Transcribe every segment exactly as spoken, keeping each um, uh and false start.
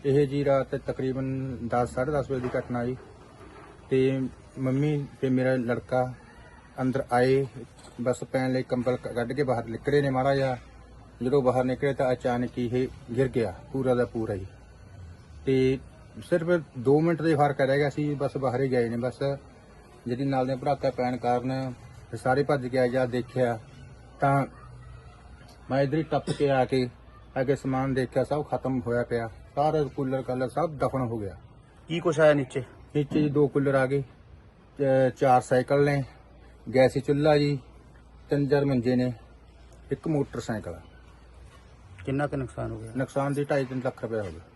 ਇਹ ਜੀ ਰਾਤ ਤਕਰੀਬਨ ਦਸ ਸਾਢੇ ਦਸ ਵਜੇ ਦੀ ਘਟਨਾ ਜੀ। ਤੇ ਮੰਮੀ ਤੇ ਮੇਰਾ ਲੜਕਾ ਅੰਦਰ ਆਏ, ਬਸ ਪੈਣ ਲਈ ਕੰਬਲ ਕੱਢ ਕੇ ਬਾਹਰ ਨਿਕਲੇ ਨੇ ਮਾੜਾ ਜਿਹਾ। ਜਦੋਂ ਬਾਹਰ ਨਿਕਲੇ ਤਾਂ ਅਚਾਨਕ ਹੀ ਇਹ ਗਿਰ ਗਿਆ ਪੂਰਾ ਦਾ ਪੂਰਾ ਹੀ। ਤੇ ਸਿਰਫ ਦੋ ਮਿੰਟ ਦੇ ਫਰਕ ਰਹਿ ਗਿਆ ਸੀ, ਬਸ ਬਾਹਰ ਹੀ ਗਏ ਨੇ। ਬਸ ਜਿਹੜੀ ਨਾਲ ਦੇ ਭੜਾਕਾ ਪੈਣ ਕਾਰਨ ਸਾਰੇ ਭੱਜ ਕੇ ਜਾ ਦੇਖਿਆ ਤਾਂ ਮੈਂ ਇੱਧਰ ਹੀ ਟੱਪ ਕੇ ਆ ਕੇ ਅੱਗੇ ਸਮਾਨ ਦੇਖਿਆ, ਸਭ ਖਤਮ ਹੋਇਆ ਪਿਆ। ਸਾਰਾ ਕੂਲਰ ਕਾਲਰ ਸਭ ਦਫਨ ਹੋ ਗਿਆ। ਕੀ ਕੁਛ ਆਇਆ ਨੀਚੇ? ਨੀਚੇ ਜੀ ਦੋ ਕੂਲਰ ਆ ਗਏ, ਚ- ਚਾਰ ਸਾਈਕਲ ਨੇ, ਗੈਸੀ ਚੁੱਲ੍ਹਾ ਜੀ, ਤਿੰਨ ਚਾਰ ਮੰਜੇ ਨੇ, ਇੱਕ ਮੋਟਰਸਾਈਕਲ ਆ। ਕਿੰਨਾ ਕੁ ਨੁਕਸਾਨ ਹੋ ਗਿਆ? ਨੁਕਸਾਨ ਦੀ ਢਾਈ ਤਿੰਨ ਲੱਖ ਰੁਪਏ ਹੋ ਗਿਆ।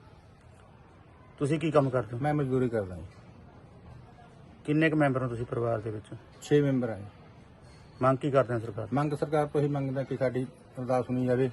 ਤੁਸੀਂ ਕੀ ਕੰਮ ਕਰਦੇ ਹੋ? ਮੈਂ ਮਜ਼ਦੂਰੀ ਕਰਦਾ ਜੀ। ਕਿੰਨੇ ਕੁ ਮੈਂਬਰ ਹੋ ਤੁਸੀਂ ਪਰਿਵਾਰ ਦੇ ਵਿੱਚ? ਛੇ ਮੈਂਬਰ ਆ ਜੀ। ਮੰਗ ਕੀ ਕਰਦੇ ਹੋ ਸਰਕਾਰ? ਮੰਗ ਸਰਕਾਰ ਤੋਂ ਹੀ ਮੰਗਦਾ ਕਿ ਸਾਡੀ ਅਰਦਾਸ ਸੁਣੀ ਜਾਵੇ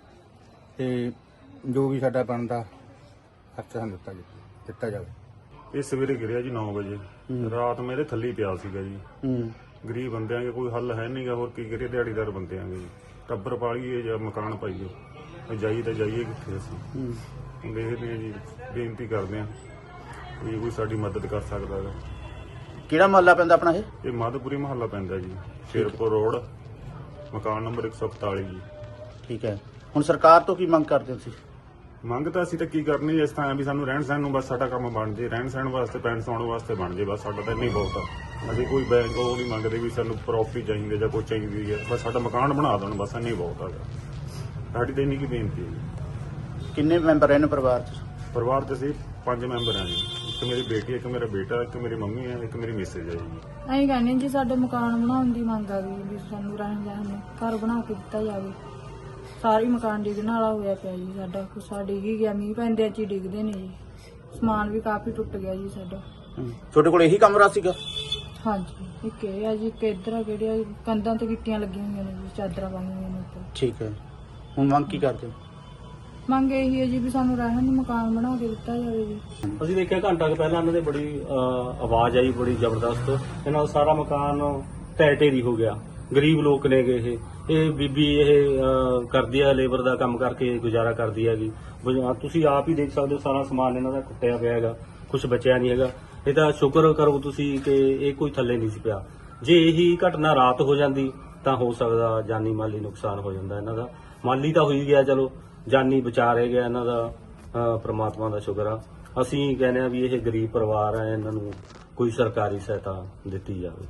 ਤੇ ਜੋ ਵੀ ਸਾਡਾ ਬਣਦਾ ਖਰਚਾ ਸਾਨੂੰ ਦਿੱਤਾ ਜਾਵੇ ਦਿੱਤਾ ਜਾਵੇ। ਇਹ ਸਵੇਰੇ ਗਿਰਿਆ ਜੀ ਨੌ ਵਜੇ। ਰਾਤ ਮੇਰੇ ਥੱਲੇ ਹੀ ਪਿਆ ਸੀਗਾ ਜੀ। ਹੂੰ। ਗਰੀਬ ਬੰਦਿਆਂ ਦੇ ਕੋਈ ਹੱਲ ਹੈ ਨਹੀਂਗਾ, ਹੋਰ ਕੀ ਕਰੀਏ, ਦਿਹਾੜੀਦਾਰ ਬੰਦਿਆਂ ਦੇ ਜੀ। ਟੱਬਰ ਪਾਲੀਏ ਜਾਂ ਮਕਾਨ ਪਾਈਏ, ਜਾਈ ਤਾਂ ਜਾਈਏ ਕਿੱਥੇ ਅਸੀਂ। ਹੂੰ। ਹੁਣ ਦੇਖਦੇ ਹਾਂ ਜੀ, ਬੇਨਤੀ ਕਰਦੇ ਹਾਂ ਵੀ ਕੋਈ ਸਾਡੀ ਮਦਦ ਕਰ ਸਕਦਾ ਹੈ। ਕਿਹੜਾ ਮਹੱਲਾ ਪੈਂਦਾ ਆਪਣਾ ਇਹ? ਇਹ ਮਾਧੋਪੁਰੀ ਮਹੱਲਾ ਪੈਂਦਾ ਜੀ, ਸ਼ੇਰਪੁਰ ਰੋਡ, ਮਕਾਨ ਨੰਬਰ ਇੱਕ ਸੌ ਇਕਤਾਲੀ ਜੀ। ਠੀਕ ਹੈ, ਹੁਣ ਸਰਕਾਰ ਤੋਂ ਕੀ ਮੰਗ ਕਰਦੇ ਹੋ ਤੁਸੀਂ? ਮੰਗ ਤਾਂ ਅਸੀਂ ਤਾਂ ਕੀ ਕਰਨੀ, ਇਸ ਤਰ੍ਹਾਂ ਵੀ ਸਾਨੂੰ ਰਹਿਣ ਸਹਿਣ ਨੂੰ ਬਸ ਸਾਡਾ ਕੰਮ ਬਣ ਜੇ, ਰਹਿਣ ਸਹਿਣ ਵਾਸਤੇ ਪੈਣ ਸੌਣ ਵਾਸਤੇ ਬਣ ਜੇ, ਬਸ ਸਾਡਾ ਤਾਂ ਇੰਨਾ ਹੀ ਬਹੁਤ ਆ। ਅਸੀਂ ਕੋਈ ਬੈਂਕ ਉਹ ਨਹੀਂ ਮੰਗਦੇ ਵੀ ਸਾਨੂੰ ਪ੍ਰੋਪਰਟੀ ਚਾਹੀਦੀ ਜਾਂ ਕੋਈ ਚਾਹੀਦੀ ਹੈ, ਬਸ ਸਾਡਾ ਮਕਾਨ ਬਣਾ ਦੇਣ, ਬਸ ਇੰਨਾ ਹੀ ਬਹੁਤ ਆ। ਸਾਡੀ ਤਾਂ ਇੰਨੀ ਕੀ ਬੇਨਤੀ ਹੈ ਜੀ। ਕਿੰਨੇ ਮੈਂਬਰ ਇਹਨੇ ਪਰਿਵਾਰ 'ਚ? ਪਰਿਵਾਰ 'ਚ ਅਸੀਂ ਪੰਜ ਮੈਂਬਰ ਹਾਂ ਜੀ। ਇੱਕ ਮੇਰੀ ਬੇਟੀ, ਇੱਕ ਮੇਰਾ ਬੇਟਾ, ਇੱਕ ਮੇਰੀ ਮੰਮੀ ਹੈ, ਇੱਕ ਮੇਰੀ ਮਿਸੇਜ ਹੈ ਜੀ। ਅਸੀਂ ਕਹਿੰਦੇ ਜੀ ਸਾਡੇ ਮਕਾਨ ਬਣਾਉਣ ਦੀ ਮੰਗ ਆ ਗਈ ਵੀ ਸਾਨੂੰ ਰਹਿਣ ਸਹਿਣ ਨੂੰ ਘਰ ਬਣਾ ਕੇ ਦਿੱਤਾ ਜਾਵੇ। ਸਾਰੀ ਮਕਾਨ ਡਿੱਗਣ ਵਾਲਾ ਹੋਇਆ ਪਿਆ ਜੀ, ਸਾਡਾ ਕੁਛ ਡਿੱਗ ਹੀ ਗਿਆ, ਮੀਂਹ ਪੈਂਦੇ ਅੱਜ ਹੀ ਡਿੱਗਦੇ ਨੇ ਜੀ। ਸਮਾਨ ਵੀ ਕਾਫੀ ਟੁੱਟ ਗਿਆ ਜੀ ਸਾਡਾ। ਤੁਹਾਡੇ ਕੋਲ ਇਹੀ ਕਮਰਾ ਸੀਗਾ? ਹਾਂਜੀ, ਇੱਕ ਇਹ ਆ ਜੀ, ਇੱਕ ਇੱਧਰ ਆ, ਕਿਹੜੀਆਂ ਕੰਧਾਂ ਤੇ ਗਿੱਟੀਆਂ ਲੱਗੀਆਂ ਹੋਈਆਂ ਨੇ ਜੀ, ਚਾਦਰਾਂ ਪਾਈਆਂ ਹੋਈਆਂ ਨੇ ਉੱਪਰ। ਠੀਕ ਹੈ, ਹੁਣ ਮੰਗ ਕੀ ਕਰਦੇ ਹੋ? ਮੰਗ ਇਹੀ ਹੈ ਜੀ ਵੀ ਸਾਨੂੰ ਰਹਿਣ ਨੂੰ ਮਕਾਨ ਬਣਾ ਕੇ ਦਿੱਤਾ ਜਾਵੇ ਜੀ। ਅਸੀਂ ਦੇਖਿਆ ਘੰਟਾ ਕੁ ਪਹਿਲਾਂ ਇਹਨਾਂ ਦੇ ਬੜੀ ਅਹ, ਆਵਾਜ਼ ਆਈ ਬੜੀ ਜ਼ਬਰਦਸਤ। ਇਹਨਾਂ ਦਾ ਸਾਰਾ ਮਕਾਨ ਢਹਿ ਢੇਰੀ ਹੋ ਗਿਆ। ਗਰੀਬ ਲੋਕ ਨੇਗੇ ਇਹ ਇਹ ਬੀਬੀ ਇਹ ਅਹ, ਕਰਦੀ ਆ, ਲੇਬਰ ਦਾ ਕੰਮ ਕਰਕੇ ਗੁਜ਼ਾਰਾ ਕਰਦੀ ਹੈਗੀ। ਬਜ- ਤੁਸੀਂ ਆਪ ਹੀ ਦੇਖ ਸਕਦੇ ਹੋ, ਸਾਰਾ ਸਮਾਨ ਇਹਨਾਂ ਦਾ ਟੁੱਟਿਆ ਪਿਆ ਹੈਗਾ, ਕੁਝ ਬਚਿਆ ਨਹੀਂ ਹੈਗਾ। ਇਹ ਤਾਂ ਸ਼ੁਕਰ ਕਰੋ ਤੁਸੀਂ ਕਿ ਇਹ ਕੋਈ ਥੱਲੇ ਨਹੀਂ ਸੀ ਪਿਆ। ਜੇ ਇਹੀ ਘਟਨਾ ਰਾਤ ਹੋ ਜਾਂਦੀ ਤਾਂ ਹੋ ਸਕਦਾ ਜਾਨੀ ਮਾਲੀ ਨੁਕਸਾਨ ਹੋ ਜਾਂਦਾ ਇਹਨਾਂ ਦਾ। ਮਾਲੀ ਤਾਂ ਹੋਈ ਗਿਆ, ਚਲੋ ਜਾਨੀ ਬਚਾ ਰਹਿ ਗਿਆ ਇਹਨਾਂ ਦਾ, ਅਹ, ਪ੍ਰਮਾਤਮਾ ਦਾ ਸ਼ੁਕਰ ਆ। ਅਸੀਂ ਕਹਿੰਦੇ ਆ ਵੀ ਇਹ ਗਰੀਬ ਪਰਿਵਾਰ ਆ, ਇਹਨਾਂ ਨੂੰ ਕੋਈ ਸਰਕਾਰੀ ਸਹਾਇਤਾ ਦਿੱਤੀ ਜਾਵੇ।